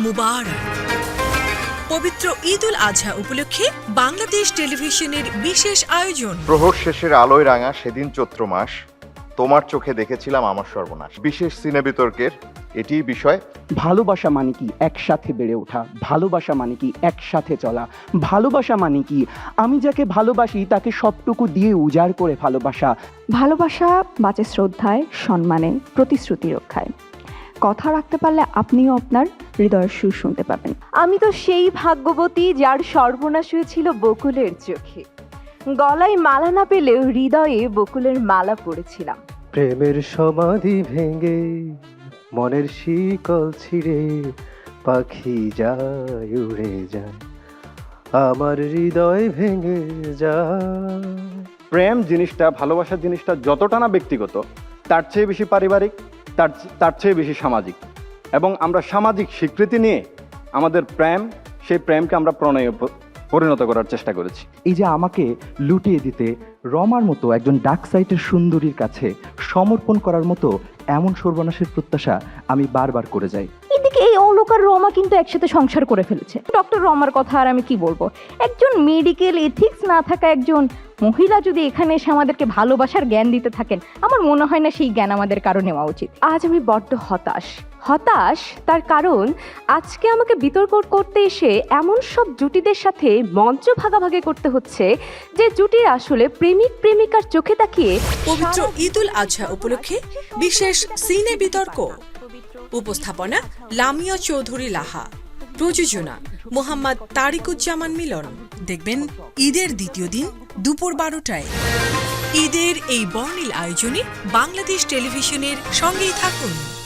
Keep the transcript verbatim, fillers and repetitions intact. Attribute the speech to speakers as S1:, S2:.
S1: মুবারক। পবিত্র ঈদ উল আজহা উপলক্ষে বাংলাদেশ টেলিভিশনের বিশেষ আয়োজন।
S2: প্রহর শেষের আলোয় রাঙা সেদিন চৈত্র মাস, তোমার চোখে দেখেছিলাম আমার সর্বনাশ। বিশেষ সিনে বিতর্কের এটি বিষয়।
S3: ভালোবাসা মানে কি একসাথে বেড়ে ওঠা, ভালোবাসা মানে কি একসাথে চলা, ভালোবাসা মানে কি আমি যাকে ভালোবাসি তাকে সবটুকু দিয়ে উজাড় করে ভালোবাসা।
S4: ভালোবাসা বাঁচে শ্রদ্ধায়, সম্মানে, প্রতিশ্রুতি রক্ষায়। কথা রাখতে পারলে আপনিও আপনার হৃদয়ের সুর শুনতে পাবেন।
S5: আমি তো সেই ভাগ্যবতী যার সর্বনাশ হয়েছিল বকুলের চোখে। গলায় মালা না পেলেও হৃদয়ে বকুলের মালা পড়েছিলাম।
S6: প্রেমের সমাধি ভেঙে মনের শিকল ছিঁড়ে পাখি যায় উড়ে যায়, আমার হৃদয় ভেঙে যায়।
S3: প্রেম জিনিসটা, ভালোবাসা জিনিসটা যতটা না ব্যক্তিগত, তার চেয়ে বেশি পারিবারিক, তার তার চেয়ে বেশি সামাজিক। এবং আমরা সামাজিক স্বীকৃতি নিয়ে আমাদের প্রেম, সেই প্রেমকে আমরা প্রণয়ে পরিণত করার চেষ্টা করেছি। এই যে আমাকে লুটিয়ে দিতে রমার মতো একজন ডাক সাইটের সুন্দরীর কাছে সমর্পণ করার মতো এমন সর্বনাশের প্রত্যাশা আমি বারবার করে যাই।
S4: এদিকে এই অলোক আর রমা কিন্তু একসাথে সংসার করে ফেলেছে। ডক্টর রমার কথা আর আমি কি বলবো, একজন মেডিকেল এথিক্স না থাকা একজন মহিলা যদি এখানে এসে আমাদেরকে ভালোবাসার জ্ঞান দিতে থাকেন, আমার মনে হয় না সেই জ্ঞান আমাদের কারো নেওয়া উচিত।
S5: আজ আমি বড্ড হতাশ হতাশ তার কারণ আজকে আমাকে বিতর্ক করতে এসে এমন সব জুটিদের সাথে মঞ্চ ভাগাভাগি করতে হচ্ছে যে জুটির আসলে প্রেমিক প্রেমিকার চোখে তাকিয়ে।
S1: পবিত্র ঈদ উল আজহা উপলক্ষে বিশেষ সিনে বিতর্ক। উপস্থাপনা লামিয়া চৌধুরী লাহা। প্রযোজনা মোহাম্মদ তারিকুজ্জামান মিলন। দেখবেন ঈদের দ্বিতীয় দিন দুপুর বারোটায়। ঈদের এই বর্ণিল আয়োজনে বাংলাদেশ টেলিভিশনের সঙ্গেই থাকুন।